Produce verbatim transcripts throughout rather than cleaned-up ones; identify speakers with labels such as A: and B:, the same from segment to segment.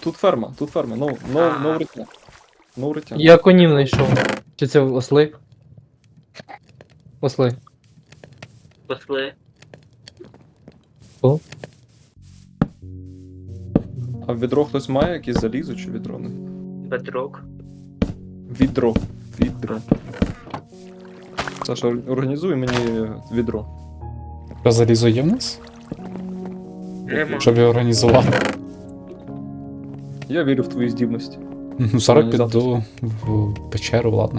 A: тут ферма, тут ферма, no, no, no риття. No риття.
B: Я конів знайшов. Чи це осли? Осли.
C: Посли.
B: О?
A: А в відро хтось має якісь залізо чи відро? Не?
C: Бедрок.
A: Відро. Відро. Саша, організуй мені відро.
D: Що залізо є в нас?
C: Нема.
D: Щоб його організувати.
A: Я вірю в твої здібності.
D: Ну, зараз піду в печеру, ладно.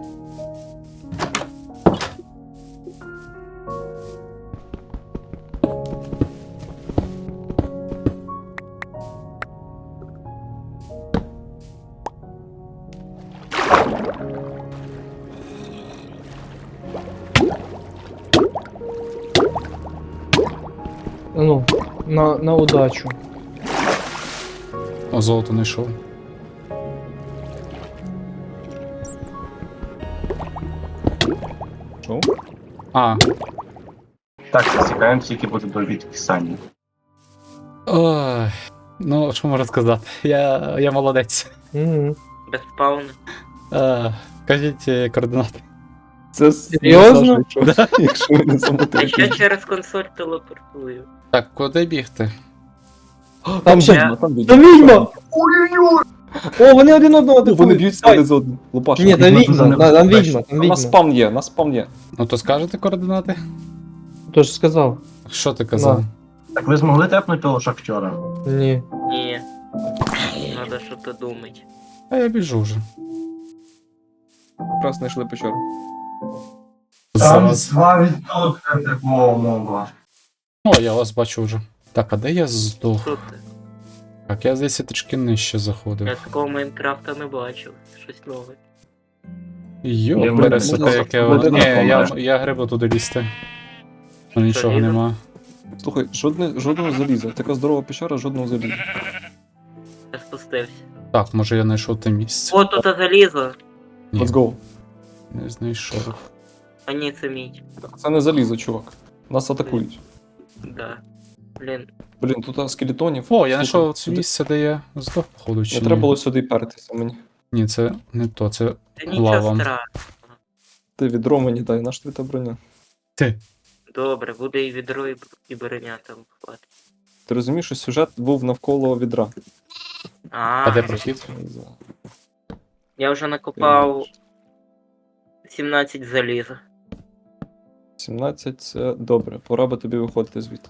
B: Ну, на, на удачу.
D: О, золото не йшов.
A: Що?
D: А,
E: Так, засікаємо, скільки буде до відписання.
D: ой. Ну, що можу сказати? Я, я молодець.
B: Угу.
C: Без спауна.
D: А, кажіть е, координати.
A: Це
B: Серйозно?
A: Саша, якщо, якщо ви не
C: А
A: замотаєте.
C: ще через консоль телепортую.
D: Так, куди бігти?
B: Там ще.
A: відьма, там відьма.
B: Там відьма! О, вони один одного
A: О, вони
B: атакують.
A: б'ються один з одним. Лупаш.
B: Ні, там відьма,
E: Відьма
B: та- там
E: дуже
B: відьма, там
A: На
B: відьма.
A: спам є, на спам є.
D: Ну то скажете координати?
B: Тож сказав.
D: Що ти казав?
E: Так ви змогли тепнути того шахтера?
B: Ні.
C: Ні. Надо що-то думати.
D: А я біжу вже.
A: Раз знайшли печеру.
D: Зараз.
E: два відсотки такого моба.
D: О, я вас бачу вже. Так, а де я здох?
C: Що ти?
D: Так, я здається трішки нижче заходив.
C: Я такого Майнкрафта не бачив. Щось нове.
D: Йо,
E: Я
D: пересете,
A: можна
D: яке воно.
A: сходити
D: Ні,
A: на
D: я,
E: помер.
D: я грибу туди лізти. Ну нічого
C: Залізо?
D: нема.
A: Слухай, жодне, жодного заліза. Така здорова печера, жодного заліза.
C: Я спустився.
D: Так, може я знайшов те місце.
C: О, тут залізо.
D: Ні,
A: Let's go.
D: не знайшов.
C: А ні, це мідь.
A: Це не залізо, чувак. Нас атакують.
C: Да. Блін.
A: Блін, тут скелетонів.
D: О, я
A: Слухай,
D: знайшов це
A: сюди-
D: місце, де я здох, походу, чи
A: Не
D: ні?
A: треба було сюди пертися мені.
D: Ні, це не то, це
C: Та нічого
D: лава.
C: страшного.
A: Ти відро мені дай, наш твій та броня.
D: Ти.
C: Добре, буде і відро, і, і броня там хватить.
A: Ти розумієш, що сюжет був навколо відра.
C: А,
D: А де прохід?
C: я вже накопав сімнадцять заліза.
A: сімнадцять це добре, пора би тобі виходити звідти.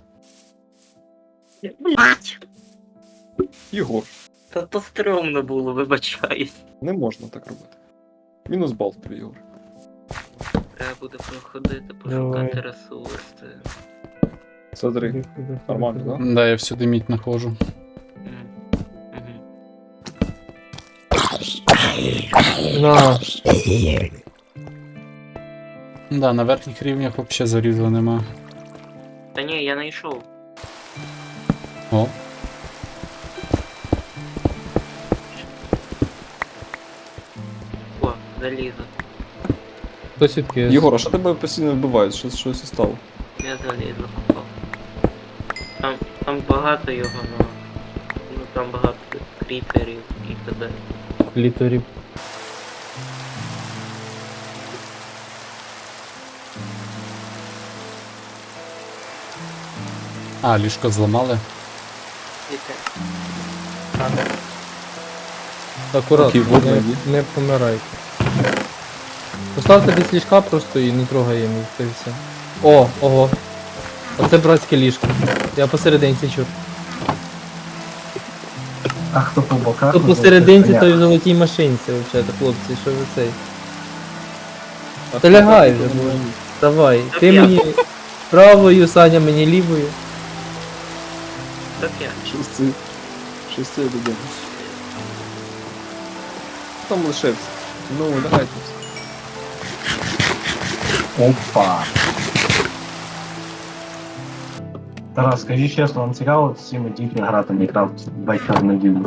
C: Блять!
A: Єгор,
C: Та то стрьомно було, вибачаюсь.
A: не можна так робити. Мінус бал тобі, Єгор.
C: Треба буде проходити,
B: Давай.
C: пошукати ресурси.
A: Смотри, нормально, да?
D: Да, я всюди мідь знаходжу.
C: М. Мгм.
B: На.
D: Да, на верхніх рівнях взагалі залізла нема.
C: Та ні, я знайшов.
D: О,
C: О, залізо.
B: Хто свідки?
A: Єгор, а що тебе постійно вбивають? Що, щось стало?
C: Я залізо копав. Там, там багато його, но... ну там багато кріперів і т.д.
B: Літорів.
D: а, ліжко зламали.
C: І те.
B: Акуратно,
A: Окей, вот
B: не,
A: найди.
B: не помирайте. Поставте десь ліжка просто і не трогаємо їх, та й все. О, ого. Оце братське ліжко. Я посерединці чув.
E: А хто по боках?
B: Тут посерединці, то й в золотій машинці, взагалі, хлопці, що ви цей. Та лягай вже, боже. Давай, ти
C: я.
B: мені правою, Саня мені лівою.
C: Так я.
A: Щось це... Щось це я додому. Там лишився. Ну, давайте.
E: Опа. Тарас, скажи чесно, вам цікаво з цими дітьми грати в Майнкрафт вечір в неділю?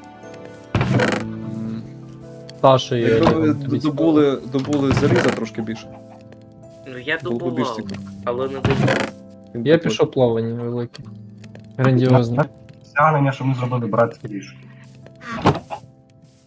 A: М,
B: Сашою.
A: Якби ви добули, добули заліза трошки більше.
C: Ну я
A: Було б більш
C: добував,
A: цікаво.
C: але не добував.
A: Він
B: Я
A: такий.
B: пішов плавання велике. Грандіозне.
E: Стягнення, що ми зробили братське ліжко.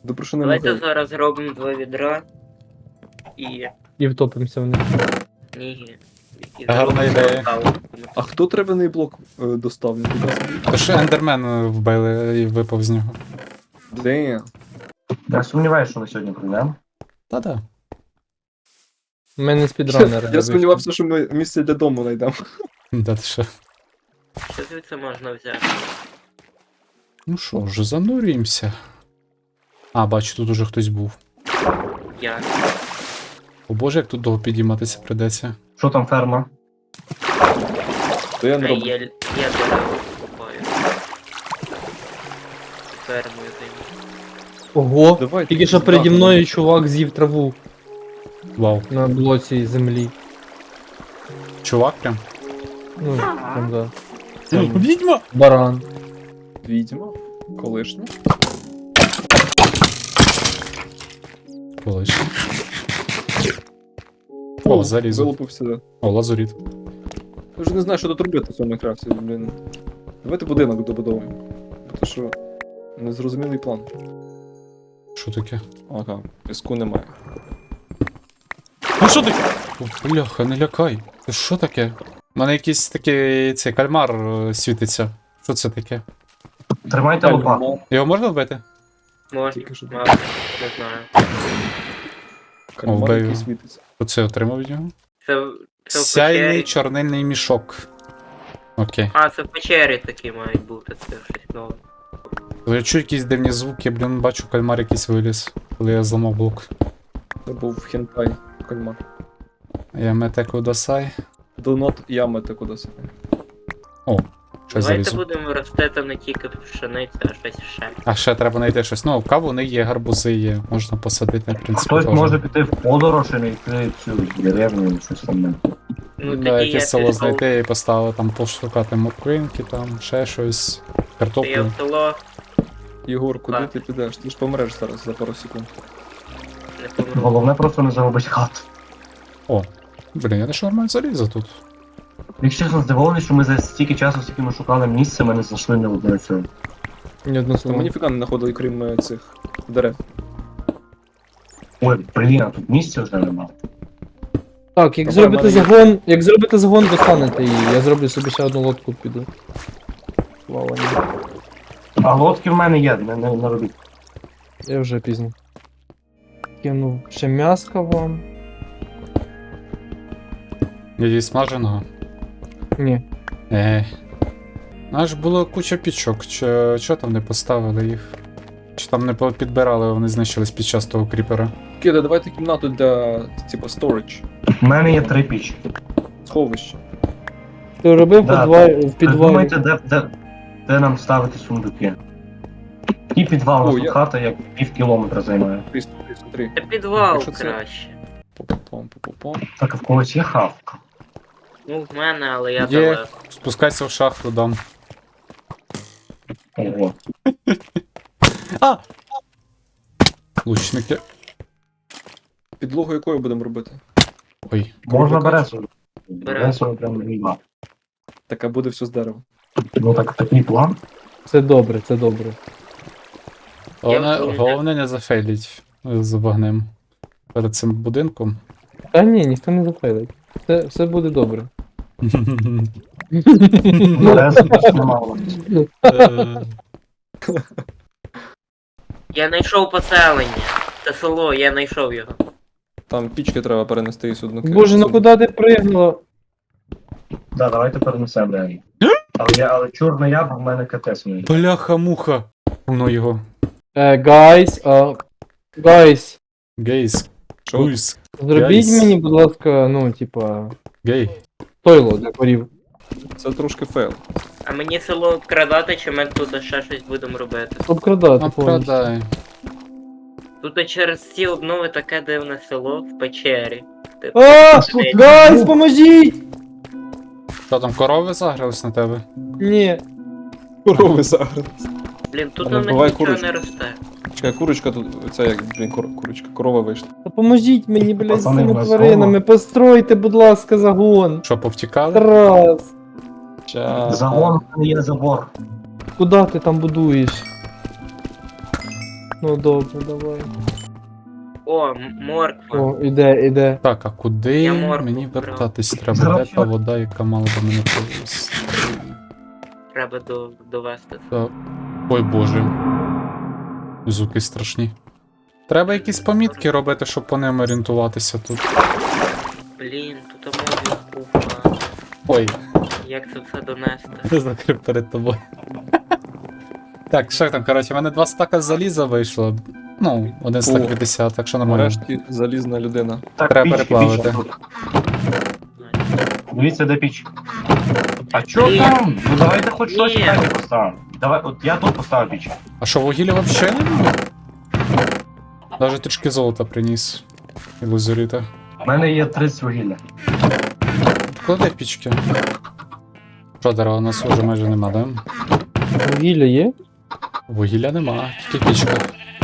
A: Добре, що не
C: Давайте
A: могли.
C: зараз зробимо два відра. І...
B: І втопимося в них.
C: Ні. І
D: Гарна
C: зробимо
D: ідея.
C: портал.
A: А хто требаний блок е, доставив?
D: То що ендермен вбили і випав з нього.
A: Де?
E: Я сумніваюся, що ми сьогодні прийдемо.
D: Та-да.
B: У мене спідранери.
A: Я сподівався, що ми місце для дому знайдемо.
D: Да ти що.
C: Що звідси можна взяти?
D: Ну що ж, занурюємося. А, бачу, тут уже хтось був.
C: Я.
D: О боже, як тут довго підійматися придеться.
E: Що там ферма?
A: То я не
C: Е,
A: роблю.
C: Я, я дерева купаю. Фермою займу.
B: Ого!
A: Давай.
B: Тільки що переді мною чувак з'їв траву
D: Вау.
B: на блоці землі.
D: Чувак прям.
B: Ну, там, да.
A: Там
D: Відьма!
B: Баран.
A: відьма. Колишня.
D: Колись. О, залізо.
A: Вилупився.
D: О, лазуріт.
A: Я вже не знаю, що тут робити в цьому крафті, блін. Давайте будинок добудовуємо. Тому що незрозумілий план.
D: Що таке?
A: Ага, піску немає.
D: Ну що таке? О, бляха, не лякай. Це що таке? У мене якийсь такий цей кальмар е, світиться. Що це таке?
E: Тримайте лопату.
D: Його можна вбити?
C: Можна,
A: Тільки що
C: мабуть, не знаю.
A: Кальмар,
D: О,
A: який
D: вбив.
A: світиться.
D: Оце отримав від нього.
C: Це, в- це в
D: Сяйний
C: печері.
D: чорнильний мішок. Окей.
C: А, це в печері такі мають бути, це щось нове.
D: Я чую якісь дивні звуки, блін, бачу кальмар якийсь виліз, коли я зламав блок.
A: Це був хентай кальмар.
D: Я мете кудасай.
A: Do not ямати кудись.
D: Щось
C: Давайте
D: залізу.
C: будемо ростити не тільки пшеницю, а щось ще.
D: А ще треба знайти щось. Ну, кавуни є, гарбузи є, можна посадити, в принципі.
E: Хтось
D: теж.
E: може піти в подорож і знайти цю деревню і щось там.
C: Ну
D: Да,
C: тоді я
D: якесь село
C: пішов,
D: знайти і поставити там пошукати морквинки, там, ще щось,
C: то я
D: картоплю.
C: в село
A: Єгор, куди
C: Так.
A: ти підеш? Ти ж помреш зараз за пару секунд.
C: не помру.
E: Головне просто не загубить хату.
D: Блін, я не що нормально залізо тут.
E: Якщо чесно, здивований, що ми за стільки часу, скільки ми шукали місце, ми не знайшли ні одної цього.
B: Ні одного
A: То
B: слова.
A: ми ніфіга не знаходили, крім е, цих дерев.
E: Ой, блін, а тут місця вже нема.
B: Так, як
A: Та
B: зробите
A: в мене є.
B: загон, як зробите загон, достанете її. Я зроблю собі ще одну лодку піду. Плавання.
E: А лодки в мене є, не, не, не робіть.
B: Я вже пізно. Кину ще м'яска вам.
D: Її смаженого.
B: Ні.
D: Ех. Аж було куча пічок, чо, чо там не поставили їх? Чи там не по- підбирали, вони знищились під час того кріпера.
A: Кида, давайте кімнату для, типа, storage.
E: У мене є три пічки.
A: Сховище.
B: Ти робив
E: Да,
B: підвал, в підвалі.
E: Придумайте, де, де, де нам ставити сундуки. І підвал у
A: О,
E: нас тут
A: я-
E: хата, як пів кілометра займає.
A: Три, три, три.
C: Це підвал
A: Якщо це-
C: краще.
A: Попопом, попопом.
E: Так, а в когось є хавка.
C: Ну, в мене, але я
D: Є.
C: далеко.
D: Спускайся в шахту, дам.
E: Ого.
D: А! Лучники.
A: Підлогу якою будемо робити?
D: Ой.
E: Можна
A: Кругляка?
E: бересу. Бересу прям не нема.
A: Так, а буде все з дерева.
E: Ну так, такий план.
B: Це добре, це добре.
D: Головне,
C: вже-
D: головне не зафейліть з вогнем. Перед цим будинком.
B: Та ні, ніхто не зафейлить. Все, все буде добре.
E: Бересу просто немало.
D: Е,
C: Я знайшов поселення. Це село, я знайшов його.
A: Там пічки треба перенести і судно.
B: Боже, ну куди ти пригнула?
E: Да, давайте перенесемо реально. Але, я, але чорна яба в мене КТ мені.
D: Бляха-муха. Воно його.
B: Е, гайс, а... Гайс,
D: Гейс.
A: Що?
D: Гуйс.
B: зробіть
D: Guys.
B: мені, будь ласка, ну, типа,
D: Гей.
B: тойло для корів.
A: Це трошки фейл.
C: А мені село обкрадати, чи ми тут ще щось будемо робити?
B: Обкрадати
D: Ну,
B: повністю.
D: продай.
C: Тут через ці обнови таке дивне село в печері. Типу,
B: А,
C: сидить.
B: гайс, поможіть!
D: Що там, корови загрались на тебе?
B: Ні.
A: Корови зараз.
C: Блін, тут
A: А
C: на
A: не
C: них
A: буває
C: нічого
A: курочки?
C: не росте.
A: Чекай, курочка тут, це як, блін, кур- курочка, корова вийшла.
B: Та поможіть мені, блядь, з
E: Пацани,
B: цими
E: в нас
B: тваринами.
E: дома.
B: Постройте, будь ласка, загон.
D: Що, повтікали?
B: Тарас,
A: Ча.
E: Загон в мене є забор.
B: куди ти там будуєш? Ну добре, давай.
C: О, м- морква.
B: О, іде, іде.
D: Так, а куди
C: Я моркву
D: мені
C: вбрав.
D: вертатись треба?
E: Зараз
D: Де
E: що?
D: та вода, яка мала до мене повезти?
C: Треба до, довести.
D: Так. Ой боже. Звуки страшні. Треба якісь помітки робити, щоб по ним орієнтуватися тут.
C: Блін, тут мові купа.
D: Ой,
C: Як це все донести?
D: я закрив перед тобою. Так, що там, коротше, в мене два стака заліза вийшло. Ну, один стак
A: О.
D: п'ятдесят, так що нормально.
A: Нарешті залізна людина.
E: Так,
D: Треба
E: піч,
D: переплавити.
E: піч тут. Дивіться, де піч. А чо
C: Ні.
E: там? Ну давайте хоч щось
C: Ні.
E: далі поставимо. Давай, от я тут поставив піч.
D: А що, вугілля взагалі немає? Даже трішки золота приніс. І лазуріта.
E: У мене є тридцять вугілля.
D: Клади пічки. Що, дерева у нас вже майже нема, да?
B: Вугілля є?
D: Вугілля нема, тільки пічка.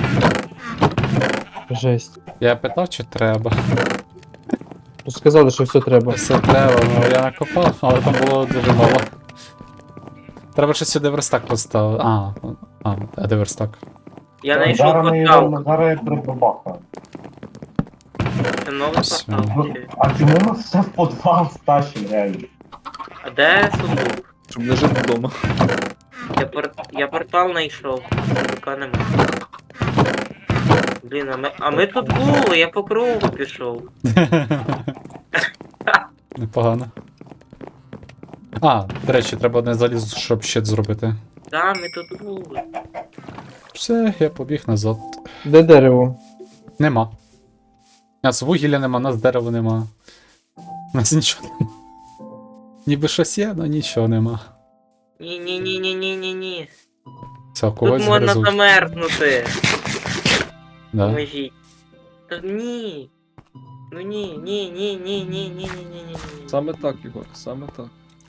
B: Жесть.
D: Я питав, чи треба.
B: Ну, сказали, що все треба.
D: Все треба, ну я накопав, але там було дуже мало. Треба ще сюди верстак поставити. А, а, а де верстак?
C: Я знайшов
E: Зараз ми
C: поставку.
E: його, зараз я прибабахаю.
C: Це нова
D: Все.
C: поставка.
E: Ну, а чому ми все в подвал стащимо, реально?
C: А де сундук?
A: Щоб не жити вдома.
C: Я, пор... я портал знайшов. Сундука нема. Блін, а ми, а ми тут були, я по кругу пішов.
D: Непогано. А, до речі, треба одне заліз, щоб щит зробити.
C: Да, ми тут були.
D: Все, я побіг назад.
B: Де дерево?
D: Нема. У нас вугілля нема, у нас дерева нема. У нас нічого нема. Ніби щось є, але нічого нема.
C: Ні-ні-ні-ні-ні-ні-ні.
D: Все,
C: Тут
D: когось
C: можна
D: гризуть.
C: замерзнути.
D: Да.
C: Поможіть. Та ні. Ну ні, ні, ні, ні, ні, ні, ні, ні, ні.
A: Саме так, Ігор, саме так.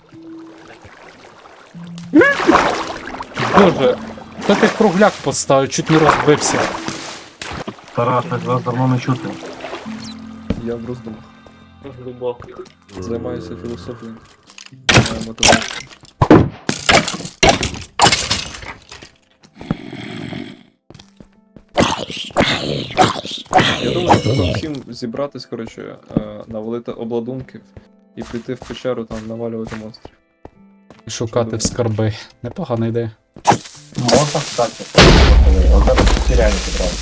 D: Боже, хто ти кругляк поставив, чуть не розбився.
E: Тарас, так вас давно не чути.
A: Я в роздумах.
C: Глибоко.
A: Займаюся філософією. Маю мотивацію. Я думаю, що треба всім зібратись, коротше, е, навалити обладунків і піти в печеру там навалювати монстрів.
D: Шукати в скарби. Непогана ідея.
E: Можна встати. От зараз теряю підразу.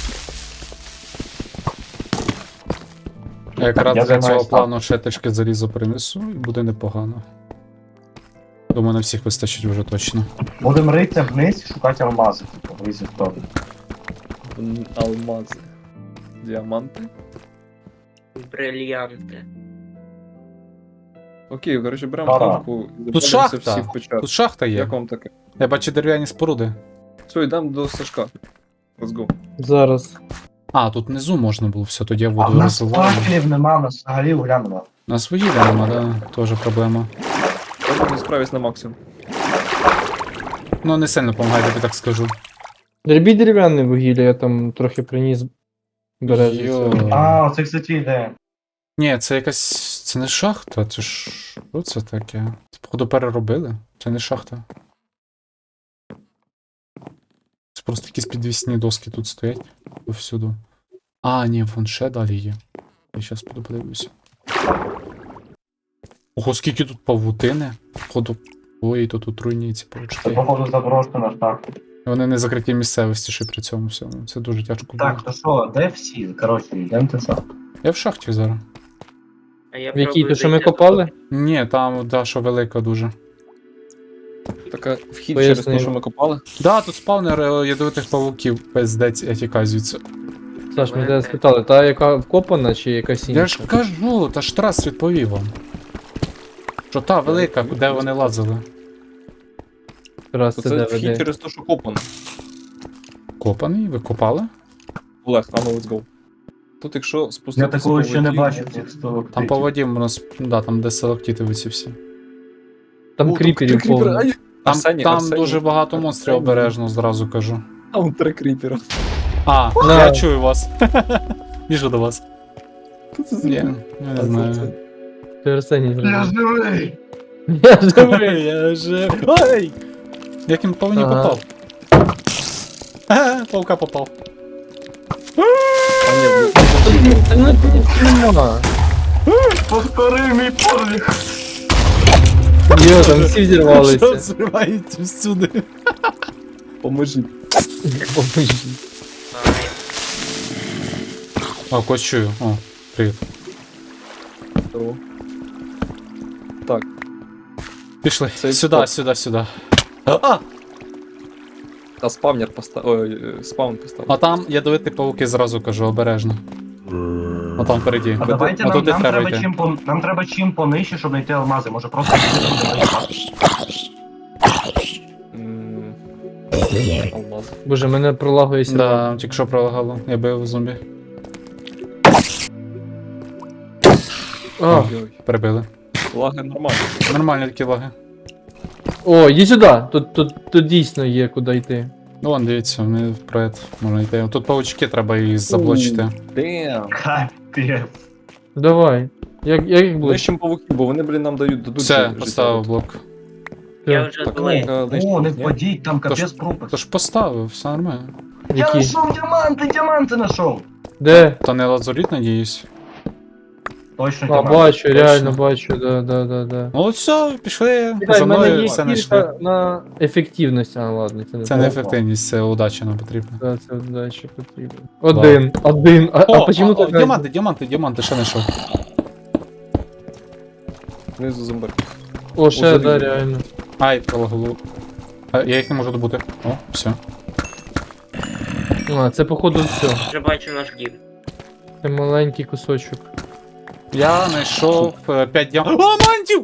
D: Я якраз
E: Я
D: для цього
E: займаюсь
D: плану ще трішки залізо принесу і буде непогано. Думаю, на всіх вистачить вже точно.
E: Будемо ритися вниз і шукати алмази, типу, в різні сторони.
A: М, Алмази. Діаманти.
C: Брильянти.
A: Окей, коротше, беремо
E: Ага.
A: хавку і заходимося
D: шахта.
A: всі в печеру.
D: Тут шахта є.
A: Як вам таке?
D: Я бачу дерев'яні споруди.
A: Все, йдемо до Сашка. Let's go.
B: Зараз.
D: А, тут внизу можна було все, тоді я
E: А в
D: воду
E: нас
D: розвиваю.
E: факелів нема, у нас взагалі угля нема.
D: У нас вугілля нема, да, теж проблема.
A: Я не справлюсь на максимум.
D: Ну, не сильно допомагає, тобі так скажу.
B: Дрібі дерев'яне вугілля, я там трохи приніс бережу.
D: Йо.
B: цього.
E: А, це, кстати, ідея.
D: Ні, це якась. Це не шахта, це ж. Що це таке? Це, походу, переробили? Це не шахта. Це просто якісь підвісні доски тут стоять повсюду. А, ні, вон ще далі є. Я зараз піду подивлюся. Ого, скільки тут павутини. Походу. Ой, то тут руйніці
E: Це,
D: павучки.
E: походу, заброшена шахта.
D: Вони не закриті місцевості ще при цьому всьому. Це дуже тяжко було.
E: Так, то що, де всі? Коротше, йдемо ти що?
D: Я в шахті зараз.
C: А я
B: В якій,
C: пробую
B: то що ми
C: зайти
B: копали?
D: Ні, там Даша велика дуже.
A: Така вхід
B: Поясни.
A: через те, що ми копали.
D: Да, тут спавнер е, ядовитих павуків, пиздець, я тікаю звідси.
B: Саш, ми тебе спитали, та яка вкопана чи якась інша?
D: Я ж кажу, та ж Тарас відповів вам. Що та велика, де вони лазили.
B: Раз
A: То
B: це
A: це
B: де
A: вхід
B: веде.
A: через те, що копано.
D: Копаний, ви копали?
A: Олег, а ну let's go. Тут якщо спуститися
E: Я такого
A: по
E: ще не
A: воді-
E: бачив цих столок.
D: Там по воді у нас, да, там де селектіти ці всі.
B: Там
A: О,
B: кріперів
A: кріпери.
B: повно.
A: Ай,
D: Там,
A: Арсеній,
D: там
A: Арсеній.
D: дуже багато монстрів
A: Арсеній.
D: обережно, зразу кажу.
A: Там три кріпера.
D: А,
B: Да.
D: я чую вас. Біжу до вас.
A: Що це за
D: Ні,
A: звук?
D: я
A: А,
D: не
A: це-
D: знаю.
A: це-
B: Ти Арсеній
E: Я
B: зробив.
E: живий!
B: Я живий!
D: Я же. Ой! Як він по мені
B: Ага.
D: попав? Ага, паука попав.
A: А ні,
B: Та ну тут нема.
E: Повтори мій подвиг.
B: Йо, там всі
D: Що
B: взірвалися.
D: зривається всюди?
A: поможіть.
B: Поможіть.
D: О, когось чую. О, привіт.
A: Здорово. Так,
D: Пішли.
A: Цей
D: Сюди,
A: спот.
D: сюди, сюди. А!
A: а спавнер поставив. Ой, е, спаун поставив.
D: А там ядовиті пауки зразу кажу, обережно. А там впереді.
E: А давайте
D: а
E: нам,
D: туди
E: нам,
D: треба
E: треба
D: йти.
E: чим по, нам треба чим понижче, щоб знайти алмази. Може просто
A: М, Алмаз.
B: Боже, мене пролагує сюди.
D: Да, тільки що пролагало. Я бив зомбі.
B: А,
A: Ой,
D: Перебили.
A: лаги нормально.
D: Нормальні такі лаги.
B: о, йди сюди. Тут, тут, тут дійсно є куди йти.
D: Ну вон, дивіться, ми вперед можна йти. Тут паучки, треба їх заблочити.
A: Damn.
E: Капець.
B: Давай. Як, як їх ближче?
A: Ближчим павуків, бо вони, блін, нам дають дадуть.
D: Все,
A: життя.
D: поставив блок.
C: Я вже
A: Так,
C: злий.
A: ну, лишніх
E: О, не
A: ні.
E: впадіть, там
D: Тож-
E: капець пропасть.
D: Тож поставив, все нормально.
E: Я
B: Які?
E: знайшов діаманти, діаманти знайшов.
B: Де?
D: То не лазуріт, надіюсь.
E: Точно
B: А,
E: діаманти.
B: бачу,
D: Точно.
B: реально бачу, да, да, да, да.
D: Ну от все, пішли.
B: Чекай,
D: За
B: в мене
D: мною
B: є
D: все знайшли.
B: кілька на ефективність. А, ладно, це не
D: Це не ефективність, це удача нам потрібна.
B: Да, це далі потрібно. Один, один. А, а
D: О,
B: почему
D: о, о,
B: так?
D: діаманти, діаманти, діаманти, ще знайшов.
A: Знизу зомбар.
B: О, ще,
A: Уже
B: да,
A: вижу.
B: реально.
D: Ай, пролагало. А, я їх не можу добути. О, все.
B: А, це походу все.
C: Вже бачу наш дім.
B: Це маленький кусочок.
D: Я знайшов п'ять діамантів. О, мантів!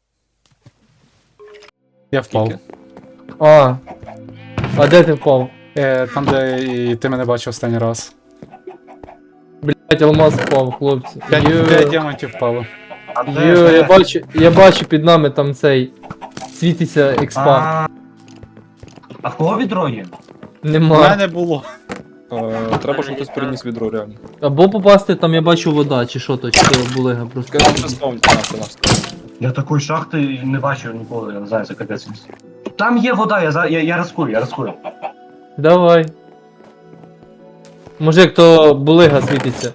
D: Я впав.
A: Скільки?
B: А. А де ти впав?
D: Е, там, де і ти мене бачив останній раз.
B: Блять, алмаз впав, хлопці.
D: П'ять,
B: Йо,
D: п'ять діамантів впало.
E: А де,
B: йо,
E: де?
B: я бачу, я бачу під нами там цей. Світиться експа.
E: А, а в кого відро є?
D: У
B: Нема.
D: мене було.
A: Е, Треба, щоб хтось переніс відро, реально.
B: Або попасти там, я бачу вода, чи що то, чи то булига просто.
A: Скажи, що спавн. А, це наш.
E: Я такої шахти не бачив ніколи, я не знаю, це капець. Там є вода, я, за- я, я рискую, я рискую.
B: Давай. Може як то булига світиться.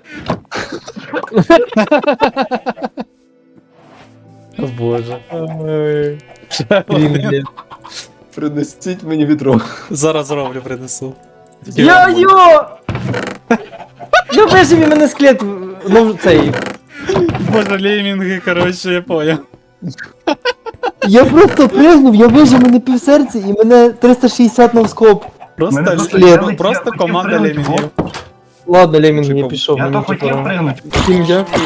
D: О боже.
B: Блін, блін.
A: Принесіть мені відро.
D: Зараз зроблю, принесу.
B: Я йо! Я вижив і мене склет, ну цей.
D: Боже, леймінги, коротше, я понял.
B: Я просто пригнув, я вижив мене півсерця і мене триста шістдесят навскоп.
D: Просто,
E: Мене
D: лі-
E: просто-
B: я
D: просто,
E: хотів-
D: просто
E: хотів
D: команда
E: пригнути,
D: леймінгів.
B: Ладно, Лемінг,
A: Чекав.
B: я пішов,
E: Я то
B: мені
E: хотів
B: типа.
E: пригнути.
B: Всім дякую.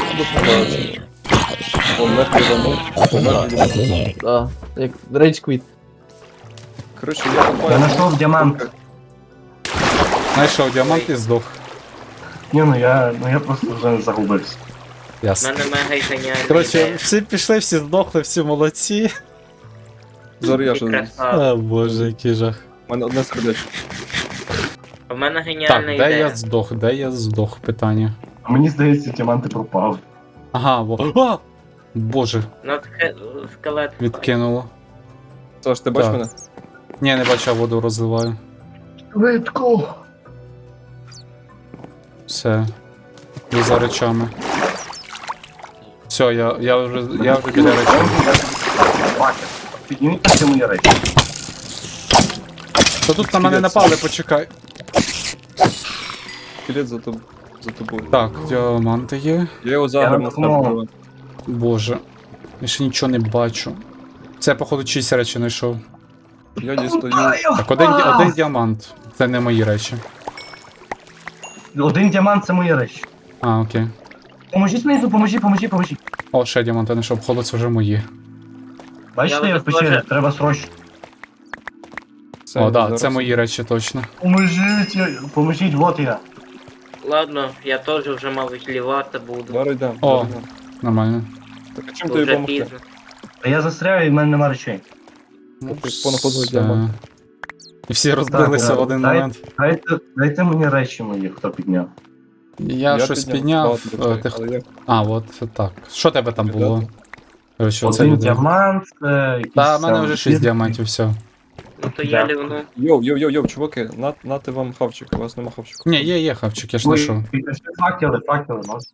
A: Помер відомо. Помер відомо.
B: Да, як Rage Quit.
A: Коротше, я копаю.
E: Я знайшов діамант.
D: Знайшов діамант і здох.
E: Ні, ну я, ну я просто вже загубився.
C: У
D: Ясно.
C: мене мега геніальна
D: Коротше,
C: ідея.
D: всі пішли, всі здохли, всі молодці.
A: Зараз я
C: Ти
A: ще.
C: красава.
D: А, боже, який жах.
A: У мене одне сердечко.
C: У мене
D: Так,
C: геніальна
D: де
C: ідея.
D: я здох, де я здох, питання.
E: А мені здається, діаманти пропав.
D: Ага, во. А! Боже,
C: Над хе- скелет.
D: відкинуло.
A: Саш, ти бачиш
D: Так.
A: мене?
D: Ні, не бачу, я воду розливаю.
E: Швидко!
D: Все. Ви за речами. Все, я, я вже я вже біля речей.
E: Бачиш, підніміть всі мої речі.
D: Та тут на мене напали, почекай.
A: Скелет за тоб- за тобою.
D: Так, діаманти є.
A: Я його заграв на
E: допомагав.
A: старт.
D: Боже. Я ще нічого не бачу. Це, походу, чиїсь речі знайшов.
A: Я дістаю.
E: А, я
D: Так, один, ді-
E: впав!
D: один діамант. Це не мої речі.
E: Один діамант це мої речі.
D: А, окей.
E: Поможіть мені, поможіть, поможіть, поможіть.
D: О, ще діаманти знайшов, походу, це вже мої.
E: Бачите,
C: Я
E: я
C: вже
E: в печері,
C: теж.
E: треба срочно.
A: Це
D: О, так,
A: зараз.
D: це мої речі точно.
E: Поможіть, я- поможіть, вот я.
C: Ладно, я теж вже мабуть лівати буду.
A: Зараз йдемо.
D: О.
A: зараз йдемо.
D: Нормально.
A: Так, а чим
C: Бо
A: тобі
C: вже
A: допомогти?
C: пізно.
E: Та я застряю і в мене нема речей.
A: Ну, ти понаходив
D: Все.
A: діамант.
D: І всі розбилися
E: Так,
D: в один
E: дай-
D: момент.
E: Дайте, дайте мені речі мої, хто підняв.
D: Я, щось підняв.
A: багато
D: е,
A: речей,
D: ти...
A: але я-
D: А, от так. Що тебе там було? Коротше, оце
E: Один
D: люди.
E: діамант, е, якийсь...
D: Та, в мене
E: там
D: вже шість діамантів, все.
C: То я
E: Дякую.
C: лівну.
A: Йоу, йоу, йоу, йоу, чуваки, на, нате вам хавчик, у вас нема хавчику.
D: Ні, є, є хавчик, я ж
E: Ой,
D: знайшов.
E: пішли факели, факели, може.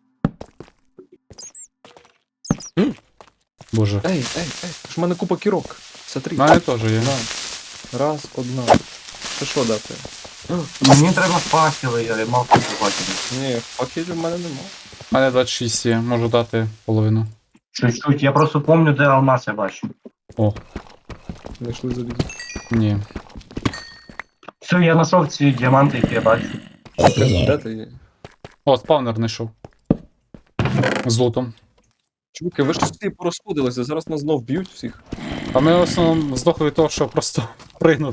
D: Боже.
A: Ей, ей, ей, ж в мене купа кірок. Смотри.
D: У мене теж є.
A: На. Раз, одна. Це що дати?
E: Мені треба факели, я мав купу факелів.
A: Ні, факелів в мене нема.
D: У мене двадцять шість є, можу дати половину.
E: Чуть-чуть, я просто помню, де алмаз я бачу.
D: О,
A: Знайшли залізо.
D: ні.
E: Все, я знайшов ці діаманти, які я бачу.
A: Де, де ти є?
D: О, спавнер знайшов. З лутом.
A: Чуваки, ви ж всі порозходилися, зараз нас знов б'ють всіх.
D: А ми в основному здохли від того, що просто пригнули.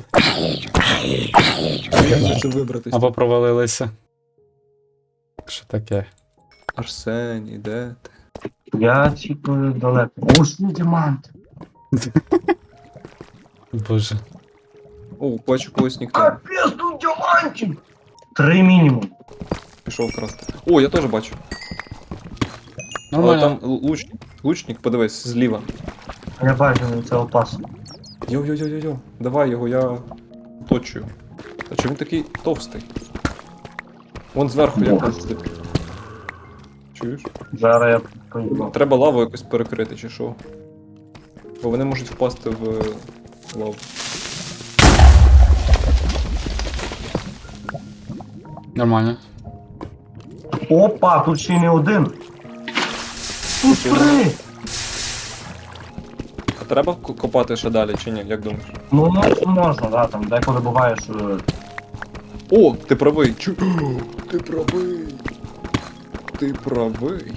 A: Як же це вибратись?
D: Або провалилися. Що таке?
A: Арсеній, де ти?
E: Я чіпаю далеко. О, що діаманти.
D: Боже.
A: О, бачу когось ніхто.
E: Капець, тут діамантів! Три мінімум.
A: Пішов красти. О, я теж бачу. Але
D: Нормально.
A: там л- лучник, лучник, подивись, зліва.
E: Я бачу, це опасно.
A: Йо-йо-йо-йо-йо, давай його, я точую. А чому він такий товстий? Вон зверху якось. тип. Чуєш?
E: Зараз я поїду.
A: Треба лаву якось перекрити, чи що? Бо вони можуть впасти в е, лаву.
D: Нормально.
E: Опа, тут ще й не один. Тут три!
A: А треба ко- копати ще далі, чи ні? Як думаєш?
E: Ну, ну, можна, да, там деколи буває, що...
A: О, ти правий! Чу... Ти правий! Ти правий!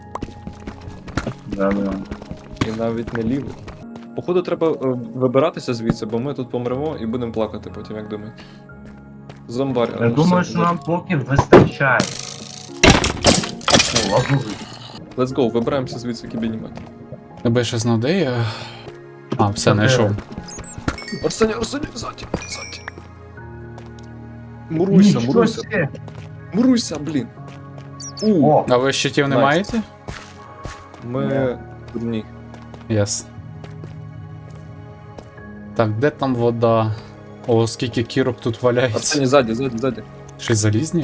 E: Да, да.
A: І навіть не лівий. Походу, треба е, вибиратися звідси, бо ми тут помремо і будемо плакати потім, як думаєте. Зомбар.
E: Я
A: ну,
E: думаю,
A: все,
E: що нам поки вистачає. О, лазурий.
A: Let's go, вибираємося звідси кібінімет.
D: Тебе ще знав, де я? А, все, знайшов.
A: Арсені, Арсені, ззаді, ззаді. Муруйся,
E: Нічого
A: муруйся.
E: себе.
A: Муруйся, блін. У,
E: О,
D: А ви щитів не
A: Найс.
D: маєте?
A: ми... Ні.
D: Ясно. Так, де там вода? О, скільки кірок тут валяється.
A: Арсені, ззаді, ззаді, ззаді.
D: Щось залізні?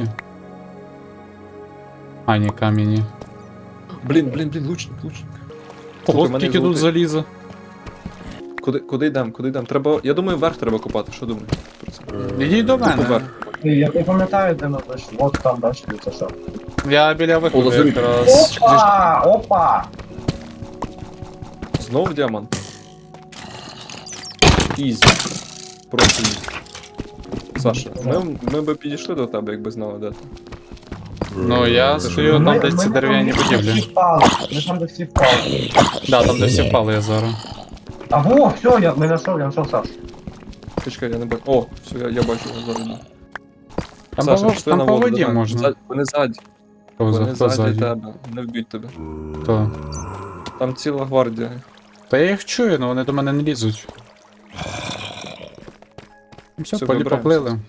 D: А, ні, камені.
A: Блін, блін, блін, лучник, лучник.
D: Ого,
A: Слухай, мене
D: скільки тут
A: золотий.
D: заліза.
A: Куди, куди йдемо, куди йдемо? Треба, я думаю, вверх треба копати, що думаєш про це?
D: Ідіть до
A: Тупо
D: мене.
A: вверх.
E: я не пам'ятаю, де ми прийшли. От там, бачите, це що.
D: Я біля виходу
A: лазурит.
D: якраз.
E: Опа! Опа!
A: Знову діамант. Ізі. Просто ізі. Саша, ми, ми би підійшли до тебе, якби знали, де ти.
D: Ну, я стою там,
E: Ми-
D: де
E: ми
D: ці
E: там,
D: дерев'яні
E: де всі
D: будівлі.
E: впали. Ми там, де всі впали.
D: Да, там, де всі впали я зараз.
E: А во, все, я не знайшов, я знайшов Сашу.
A: Чекай, я не бачу. О, все, я, я бачу його зараз.
D: Там,
A: Саша,
D: по,
A: пішли
D: там
A: на
D: по
A: воду,
D: воді
A: давай.
D: можна.
A: Ззаді- Вони ззаді,
D: Хто, за,
A: вони
D: хто
A: ззаді
D: ззаді?
A: тебе, не вб'ють тебе.
D: Хто?
A: Там ціла гвардія.
D: Та я їх чую, але вони до мене не лізуть. Все,
A: Все,
D: полі
A: вибираємося.
D: поплили.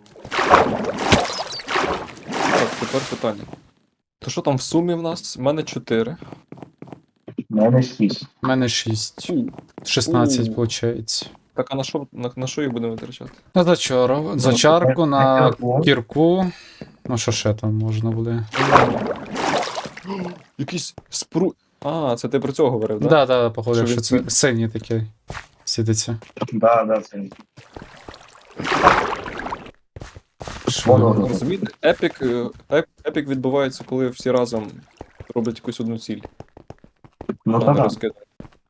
A: Так, тепер питання. То що там в сумі в нас? У мене чотири.
E: У мене шість.
D: У мене шість.
A: Фу.
D: шістнадцять,
A: У.
D: виходить.
A: Так, а на що, на, на що їх будемо витрачати?
D: На зачару, зачарку, на кірку. Ну що ще там можна буде?
A: Якийсь спру... А, це ти про цього говорив,
D: Да,
A: так?
D: да, да, походу,
A: Що
D: що
A: він
D: це
A: світить?
D: синій такий світиться.
E: Да, да, це.
D: Що?
E: Воно.
A: Розумієте? Епік, е, еп- епік відбувається, коли всі разом роблять якусь одну ціль.
E: Ну
A: а
E: та
A: не
E: да.
A: розкидають.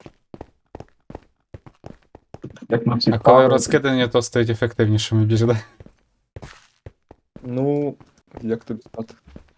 E: Як ми всі
D: А коли
E: впали.
D: розкидані, то стають ефективнішими більш, да?
A: Ну, як тобі сказати?